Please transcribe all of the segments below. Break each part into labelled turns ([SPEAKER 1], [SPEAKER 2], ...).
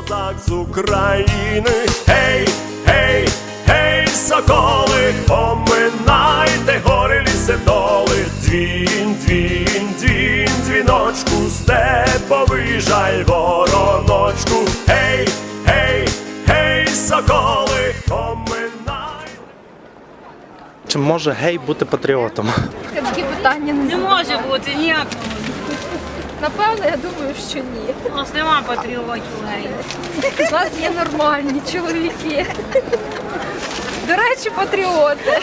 [SPEAKER 1] козак з України. Гей, гей, гей, соколи, поминайте гори, ліси, доли. Дзвін, дзвін, дзвін, дзвіночку, степовий жаль, вороночку. Гей, гей, гей, соколи, поминайте.
[SPEAKER 2] Чи може гей бути патріотом?
[SPEAKER 3] Такі питання
[SPEAKER 4] Не може бути ніяк.
[SPEAKER 3] Напевно, я думаю, що ні.
[SPEAKER 4] У нас нема патріотів гей.
[SPEAKER 3] У нас є нормальні чоловіки. До речі, патріоти.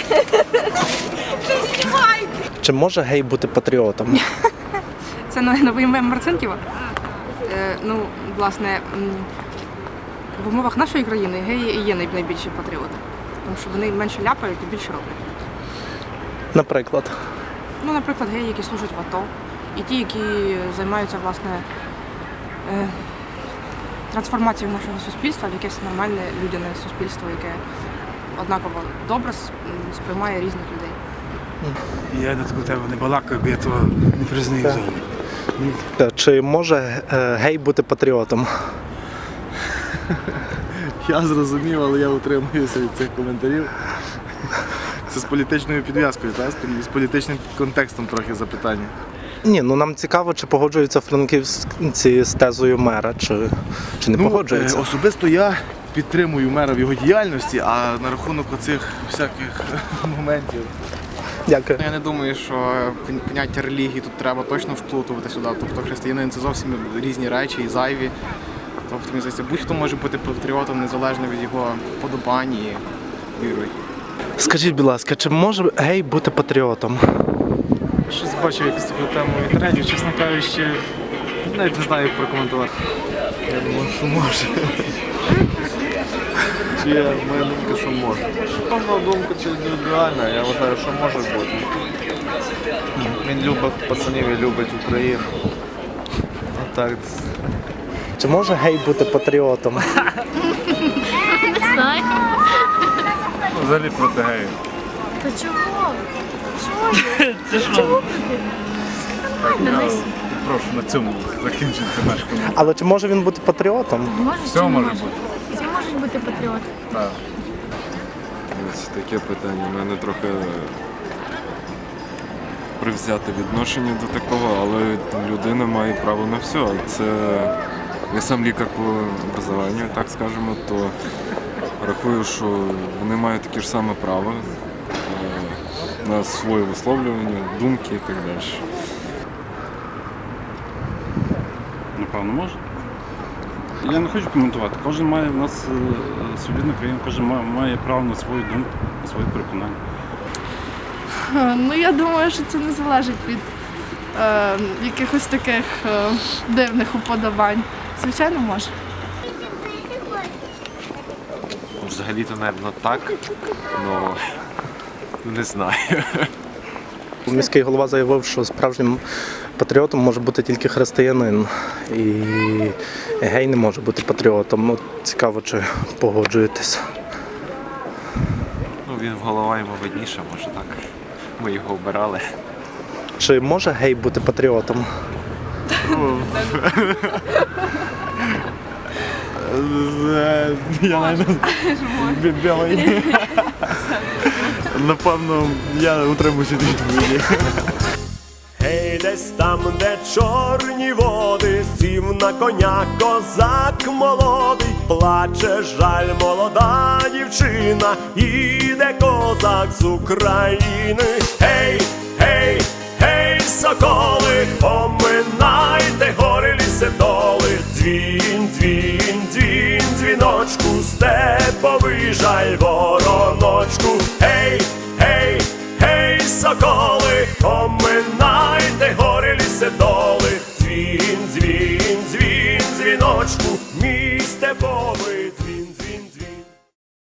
[SPEAKER 2] Чи може гей бути патріотом?
[SPEAKER 5] Це новий мем Марцинківа. Власне, в умовах нашої країни геї і є найбільші патріоти. Тому що вони менше ляпають і більше роблять.
[SPEAKER 2] Наприклад.
[SPEAKER 5] Наприклад, геї, які служать в АТО, і ті, які займаються, власне, трансформацією нашого суспільства в якесь нормальне людяне суспільство, яке однаково добре сприймає різних людей.
[SPEAKER 6] Я до тебе не балакаю, бо я того не признаю взагалі.
[SPEAKER 2] Чи може гей бути патріотом?
[SPEAKER 7] Я зрозумів, але я утримуюся від цих коментарів. Це з політичною підв'язкою, так? З політичним контекстом трохи запитання.
[SPEAKER 2] Ні, нам цікаво, чи погоджуються франківці з тезою мера, чи не погоджуються.
[SPEAKER 7] Особисто я підтримую мера в його діяльності, а на рахунок оцих всяких моментів.
[SPEAKER 2] Дякую.
[SPEAKER 8] Я не думаю, що поняття релігії тут треба точно вплутувати сюди. Тобто християнин – це зовсім різні речі і зайві. Тобто, мені здається, будь-хто може бути патріотом незалежно від його вподобань і віри.
[SPEAKER 2] Скажіть, будь ласка, чи може гей бути патріотом?
[SPEAKER 7] Щось бачив якусь таку тему в інтернеті, чесно кажучи, навіть не знаю, як прокоментувати. Я думаю, що може. Моя думка, що може. Кожна думка це індивідуальна, я вважаю, що може бути. Він любить пацанів і любить Україну. Отак.
[SPEAKER 2] Чи може гей бути патріотом?
[SPEAKER 4] Не знаю.
[SPEAKER 6] Взагалі проти геїв.
[SPEAKER 3] Та чого? Чого?
[SPEAKER 6] Прошу на цьому закінчити наш коментар.
[SPEAKER 2] Але чи може він бути патріотом?
[SPEAKER 6] Все може бути.
[SPEAKER 3] Всі можуть бути патріоти.
[SPEAKER 6] Так.
[SPEAKER 9] Ось таке питання. У мене трохи привзяте відношення до такого, але людина має право на все. Це я сам лікар по образованню, так скажемо, то рахую, що вони мають таке ж саме право на своє висловлювання, думки і так далі.
[SPEAKER 6] Напевно, може. Я не хочу коментувати. Кожен має в нас свобідна країна, кожен має право на свою думку, на свої переконання.
[SPEAKER 10] Я думаю, що це не залежить від якихось таких дивних уподобань. Звичайно, може.
[SPEAKER 9] Взагалі-то, мабуть, так, але не знаю.
[SPEAKER 2] Міський голова заявив, що справжнім патріотом може бути тільки християнин. І гей не може бути патріотом. Цікаво, чи погоджуєтесь.
[SPEAKER 9] Він голова йому видніше, може так. Ми його обирали.
[SPEAKER 2] Чи може гей бути патріотом?
[SPEAKER 7] Я навіть білий. Напевно, я утримуюся від відповіді.
[SPEAKER 1] Гей, десь там, де чорні води, сів на коня козак молодий, плаче жаль молода дівчина, іде козак з України. Гей, гей, гей, соколи, поминайте гори, ліси, доли. Дзвін, дзвін, дзвін, дзвіночку, степовий жаль, вороночку. Гей, гей, гей, соколи, поминайте